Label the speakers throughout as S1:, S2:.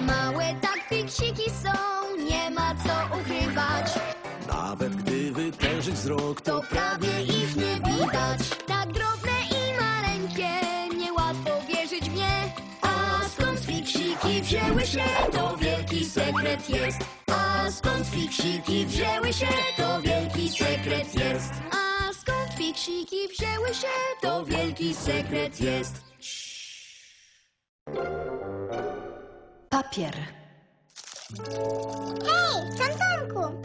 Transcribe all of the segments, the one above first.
S1: Małe tak fiksiki są, nie ma co ukrywać.
S2: Nawet gdy wytężyć wzrok,
S1: To prawie ich nie widać. Tak drobne i maleńkie, niełatwo wierzyć w nie. A skąd fiksiki wzięły się, to wielki sekret jest. A skąd fiksiki wzięły się, to wielki sekret jest. A skąd fiksiki wzięły się, to wielki sekret jest.
S3: Papier.
S4: Hej, Tomku!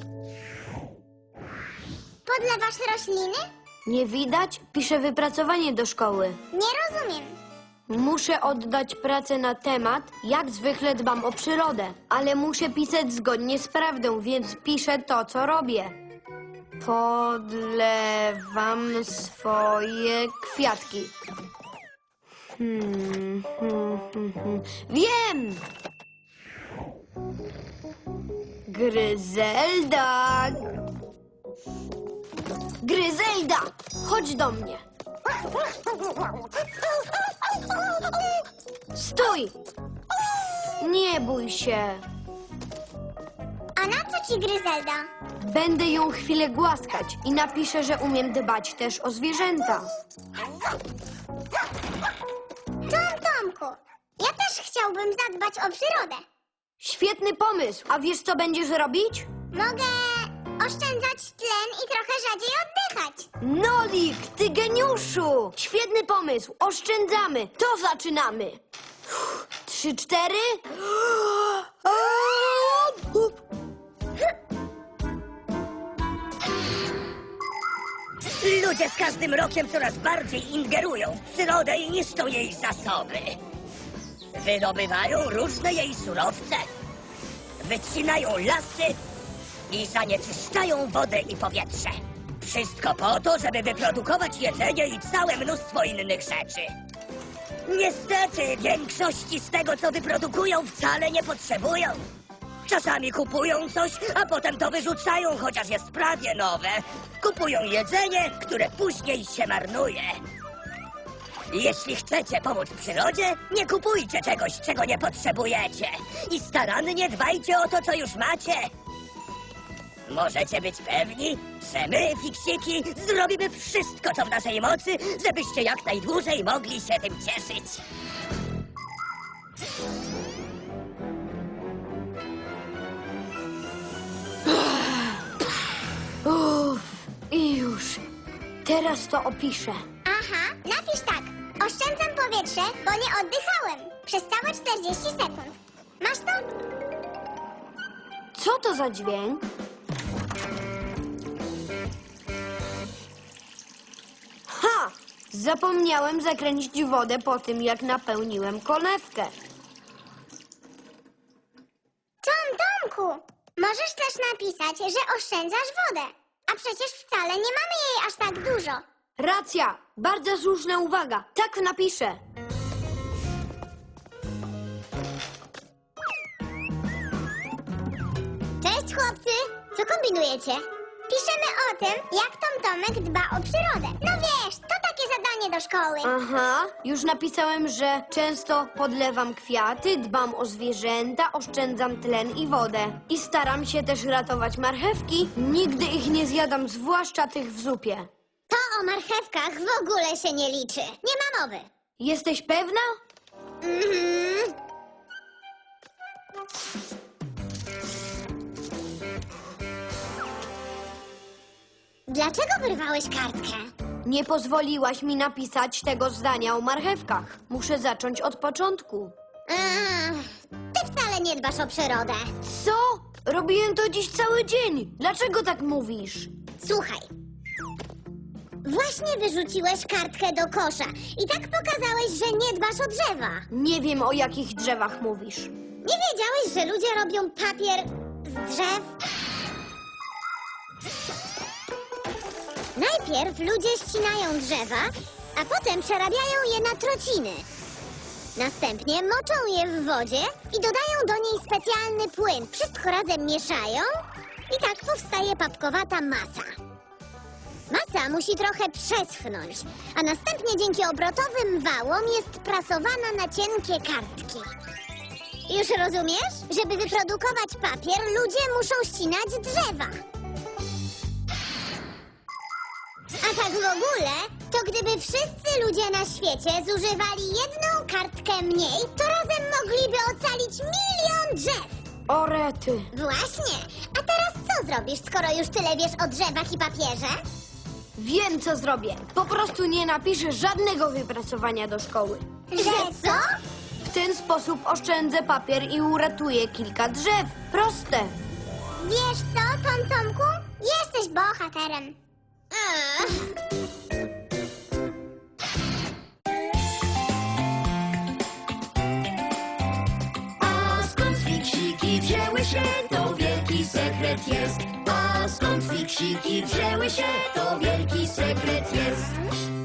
S4: Podlewasz rośliny?
S1: Nie widać? Piszę wypracowanie do szkoły.
S4: Nie rozumiem.
S1: Muszę oddać pracę na temat, jak zwykle dbam o przyrodę. Ale muszę pisać zgodnie z prawdą, więc piszę to, co robię. Podlewam swoje kwiatki. Wiem! Gryzelda! Gryzelda! Chodź do mnie. Stój! Nie bój się.
S4: A na co ci Gryzelda?
S1: Będę ją chwilę głaskać i napiszę, że umiem dbać też o zwierzęta.
S4: Tomku, ja też chciałbym zadbać o przyrodę.
S1: Świetny pomysł. A wiesz, co będziesz robić?
S4: Mogę oszczędzać tlen i trochę rzadziej oddychać.
S1: Nolik, ty geniuszu! Świetny pomysł. Oszczędzamy. To zaczynamy. 3, 4.
S5: Ludzie z każdym rokiem coraz bardziej ingerują w przyrodę i niszczą jej zasoby. Wydobywają różne jej surowce, wycinają lasy i zanieczyszczają wodę i powietrze. Wszystko po to, żeby wyprodukować jedzenie i całe mnóstwo innych rzeczy. Niestety, większości z tego, co wyprodukują, wcale nie potrzebują. Czasami kupują coś, a potem to wyrzucają, chociaż jest prawie nowe. Kupują jedzenie, które później się marnuje. Jeśli chcecie pomóc przyrodzie, nie kupujcie czegoś, czego nie potrzebujecie. I starannie dbajcie o to, co już macie. Możecie być pewni, że my, fiksiki, zrobimy wszystko, co w naszej mocy, żebyście jak najdłużej mogli się tym cieszyć.
S1: Uff, i już. Teraz to opiszę.
S4: Aha, napisz tak. Oszczędzam powietrze, bo nie oddychałem. Przez całe 40 sekund. Masz to?
S1: Co to za dźwięk? Ha! Zapomniałem zakręcić wodę po tym, jak napełniłem konewkę.
S4: Tomku, możesz też napisać, że oszczędzasz wodę. A przecież wcale nie mamy jej aż tak dużo.
S1: Racja! Bardzo słuszna uwaga. Tak napiszę.
S4: Cześć chłopcy, co kombinujecie? Piszemy o tym, jak Tomek dba o przyrodę. No wiesz, to takie zadanie do szkoły.
S1: Aha, już napisałem, że często podlewam kwiaty, dbam o zwierzęta, oszczędzam tlen i wodę. I staram się też ratować marchewki. Nigdy ich nie zjadam, zwłaszcza tych w zupie.
S4: To o marchewkach w ogóle się nie liczy. Nie ma mowy.
S1: Jesteś pewna?
S4: Mhm. Dlaczego wyrwałeś kartkę?
S1: Nie pozwoliłaś mi napisać tego zdania o marchewkach. Muszę zacząć od początku.
S4: Ty wcale nie dbasz o przyrodę.
S1: Co? Robiłem to dziś cały dzień. Dlaczego tak mówisz?
S4: Słuchaj. Właśnie wyrzuciłeś kartkę do kosza i tak pokazałeś, że nie dbasz o drzewa.
S1: Nie wiem, o jakich drzewach mówisz.
S4: Nie wiedziałeś, że ludzie robią papier z drzew? Najpierw ludzie ścinają drzewa, a potem przerabiają je na trociny. Następnie moczą je w wodzie i dodają do niej specjalny płyn. Wszystko razem mieszają i tak powstaje papkowata masa. Masa musi trochę przeschnąć, a następnie dzięki obrotowym wałom jest prasowana na cienkie kartki. Już rozumiesz? Żeby wyprodukować papier, ludzie muszą ścinać drzewa. A tak w ogóle, to gdyby wszyscy ludzie na świecie zużywali jedną kartkę mniej, to razem mogliby ocalić 1 000 000 drzew.
S3: O rety.
S4: Właśnie. A teraz co zrobisz, skoro już tyle wiesz o drzewach i papierze?
S3: Wiem, co zrobię. Po prostu nie napiszę żadnego wypracowania do szkoły.
S4: Że co?
S3: W ten sposób oszczędzę papier i uratuję kilka drzew. Proste.
S4: Wiesz co, Tom Tomku? Jesteś bohaterem. Ach.
S1: A skąd fiksiki wzięły się, to wielki sekret jest. A skąd fiksiki wzięły się, to wielki sekret jest.